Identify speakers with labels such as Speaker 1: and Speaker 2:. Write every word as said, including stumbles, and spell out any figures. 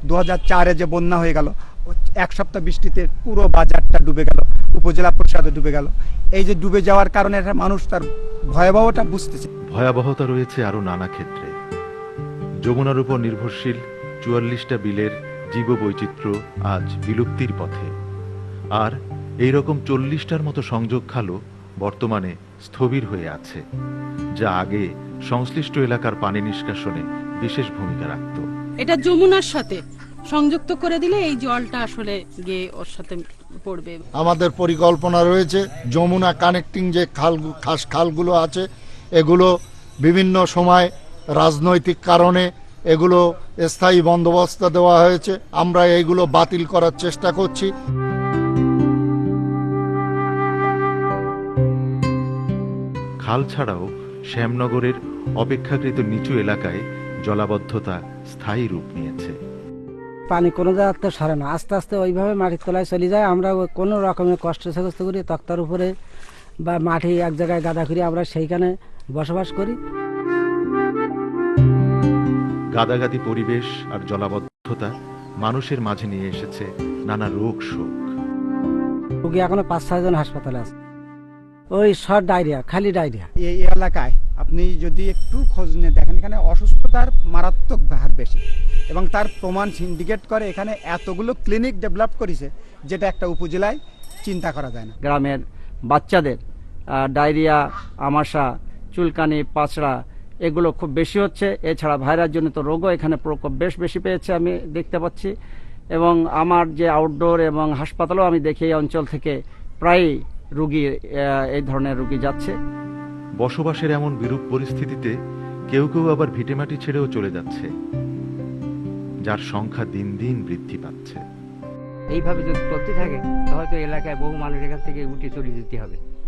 Speaker 1: দু হাজার চারে যে বন্যা হয়ে গেল, এক সপ্তাহ বৃষ্টিতে পুরো বাজারটা ডুবে গেল, উপজেলা পরিষদে ডুবে গেল। এই যে ডুবে যাওয়ার কারণে একটা মানুষ তার ভয়াবহটা বুঝতেছে।
Speaker 2: ভয়াবহতা রয়েছে আরো নানা ক্ষেত্রে। যমুনার উপর নির্ভরশীল চুয়াল্লিশটা বিলের জীববৈচিত্র্য আজ বিলুপ্তির পথে, আর এই রকম চল্লিশটার মতো সংযোগ খালও বর্তমানে স্থবির হয়ে আছে, যা আগে সংশ্লিষ্ট এলাকার পানি নিষ্কাশনে বিশেষ ভূমিকা রাখত।
Speaker 3: এটা যমুনার সাথে সংযুক্ত করে দিলে এই জলটা আসলে গিয়ে ওর সাথে পড়বে।
Speaker 4: আমাদের পরিকল্পনা রয়েছে যমুনা কানেক্টিং যে খাল খাস খালগুলো আছে, এগুলো বিভিন্ন সময় রাজনৈতিক কারণে এগুলো স্থায়ী বন্দোবস্ত দেওয়া হয়েছে। আমরা এইগুলো বাতিল করার চেষ্টা করছি।
Speaker 2: খাল ছাড়াও শ্যামনগরের অপেক্ষাকৃত নিচু এলাকায় জলাবদ্ধতা স্থায়ী রূপ নিয়েছে।
Speaker 5: পানি কোনো জায়গাতে সরে না, আস্তে আস্তে ওইভাবে মাটির তলায় চলে যায়। আমরা কোনো রকমের কষ্ট সাকস্ত করি তক্তার উপরে বা মাটি এক জায়গায় গাদা করি, আমরা সেইখানে বসবাস করি।
Speaker 2: গাদাগাদি পরিবেশ আর জলাবদ্ধতা মানুষের মাঝে নিয়ে এসেছে নানা রোগ শোক।
Speaker 5: রোগী এখনো পাঁচ ছয়জন হাসপাতালে আছে, ওই শর্ট ডায়রিয়া, খালি ডায়রিয়া।
Speaker 1: এই এলাকায় আপনি যদি একটু খোঁজ নিয়ে দেখেন, এখানে অসুস্থতার মারাত্মক হার বেশি, এবং তার প্রমাণ সিন্ডিকেট করে এখানে এতগুলো ক্লিনিক ডেভেলপ করেছে, যেটা একটা উপজেলায় চিন্তা করা যায় না।
Speaker 6: গ্রামের বাচ্চাদের ডায়রিয়া, আমাশা, চুলকানি, পাঁচড়া এগুলো খুব বেশি হচ্ছে। এছাড়া ভাইরাস জনিত রোগও এখানে প্রকোপ বেশ বেশি পেয়েছে আমি দেখতে পাচ্ছি। এবং আমার যে আউটডোর এবং হাসপাতালও আমি দেখি এই অঞ্চল থেকে প্রায় রোগী, এই ধরনের রোগী যাচ্ছে।
Speaker 2: বসবাসের এমন বিরূপ পরিস্থিতিতে কেউ কেউ আবার ভিটেমাটি ছেড়েও চলে যাচ্ছে, যার সংখ্যা দিন দিন বৃদ্ধি পাচ্ছে।
Speaker 7: এইভাবে যদি চলতে থাকে তাহলে তো এলাকায় বহু মানুষ এখান থেকে উঠে চলে যেতে হবে।